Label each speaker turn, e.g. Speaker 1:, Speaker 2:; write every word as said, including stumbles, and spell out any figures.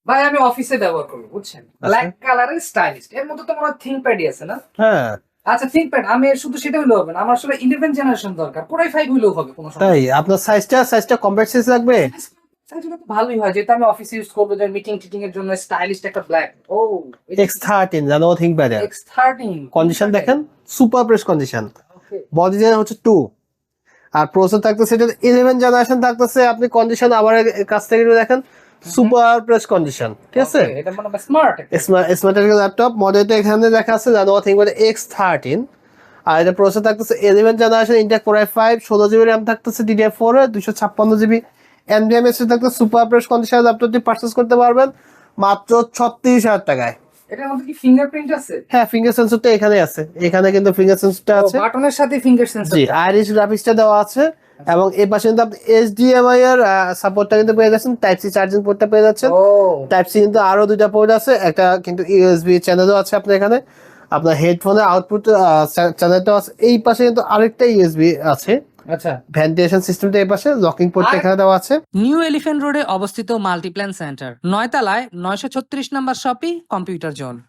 Speaker 1: ভাই আমি অফিসে ব্যবহার করব বুঝছেন, ব্ল্যাক কালারের স্টাইলিস্ট। এর মধ্যে তো মনে হয় থিংকপ্যাডই আছে না?
Speaker 2: হ্যাঁ
Speaker 1: আচ্ছা থিংকপ্যাড, আমি শুধু সেটা হইলেও হবে না, আমার আসলে ইলেভেন জেনারেশন দরকার, কোরাই ফাইভ হইলেও হবে, কোনো সমস্যা
Speaker 2: তাই
Speaker 1: নেই।
Speaker 2: আপনার সাইজটা সাইজটা কম্প্যাক্ট সাইজ লাগবে।
Speaker 1: সাইজটা তো ভালোই হয়, যেহেতু আমি অফিসে ইউজ করবো, যে মিটিং টিটিং এর জন্য স্টাইলিশ একটা ব্ল্যাক। ও
Speaker 2: এক্স থার্টিন জানো থিংকপ্যাডের
Speaker 1: এক্স থার্টিন
Speaker 2: কন্ডিশন দেখেন, super fresh condition.
Speaker 1: Okay.
Speaker 2: Body generation হচ্ছে টু, আর প্রসেসর থাকতেছে এটা ইলেভেন জেনারেশন থাকতেছে। আপনি কন্ডিশন আমার কাছ থেকে একটু দেখেন, সুপার প্রেস কন্ডিশন, ঠিক আছে।
Speaker 1: এটা মানে স্মার্ট একটা।
Speaker 2: স্মার্ট স্মার্ট ল্যাপটপ মডেলটা এখানে দেখা আছে জানো থিংকপ্যাড এক্স থার্টিন। আর এটা প্রসেসর থাকতেছে eleven generation Intel core I five, ষোলো জিবি র্যাম থাকতেছে ডিডিআর ফোর এর, দুইশো ছাপ্পান্ন জিবি এনভিএম এস থাকতে সুপার প্রেস কন্ডিশন ল্যাপটপটি পারচেস করতে পারবেন মাত্র ছত্রিশ হাজার টাকায়।
Speaker 1: এটার মধ্যে কি ফিঙ্গারপ্রিন্ট আছে?
Speaker 2: হ্যাঁ ফিঙ্গার সেন্সরটা এখানে আছে, এখানে কিন্তু ফিঙ্গার সেন্সরটা আছে।
Speaker 1: বাটনের সাথে ফিঙ্গার সেন্সর।
Speaker 2: জি আইরিশ গ্রাফিক্সটা দেওয়া আছে, এবং এই পাশে কিন্তু আপনি এইচডিএমআই এর সাপোর্টটা কিন্তু পেয়ে যাচ্ছেন, টাইপ সি চার্জিং পোর্টটা পেয়ে যাচ্ছেন।
Speaker 1: ও
Speaker 2: টাইপ সি কিন্তু আরো দুইটা পোর্ট আছে, একটা কিন্তু ইউএসবি চ্যানেলও আছে আপনার এখানে। আপনার হেডফোনের আউটপুট চ্যানেলটাও আছে, এই পাশে কিন্তু আরেকটা ইউএসবি আছে।
Speaker 1: আচ্ছা।
Speaker 2: ভেন্টিলেশন সিস্টেমটা এই পাশে, লকিং পোর্টটা
Speaker 1: আর-
Speaker 2: এখানে দেওয়া আছে।
Speaker 3: নিউ এলিফ্যান্ট রোডে অবস্থিত মাল্টিপ্ল্যান সেন্টার, নয় তলায় নয়শো ছত্রিশ নম্বর শপি কম্পিউটার জোন।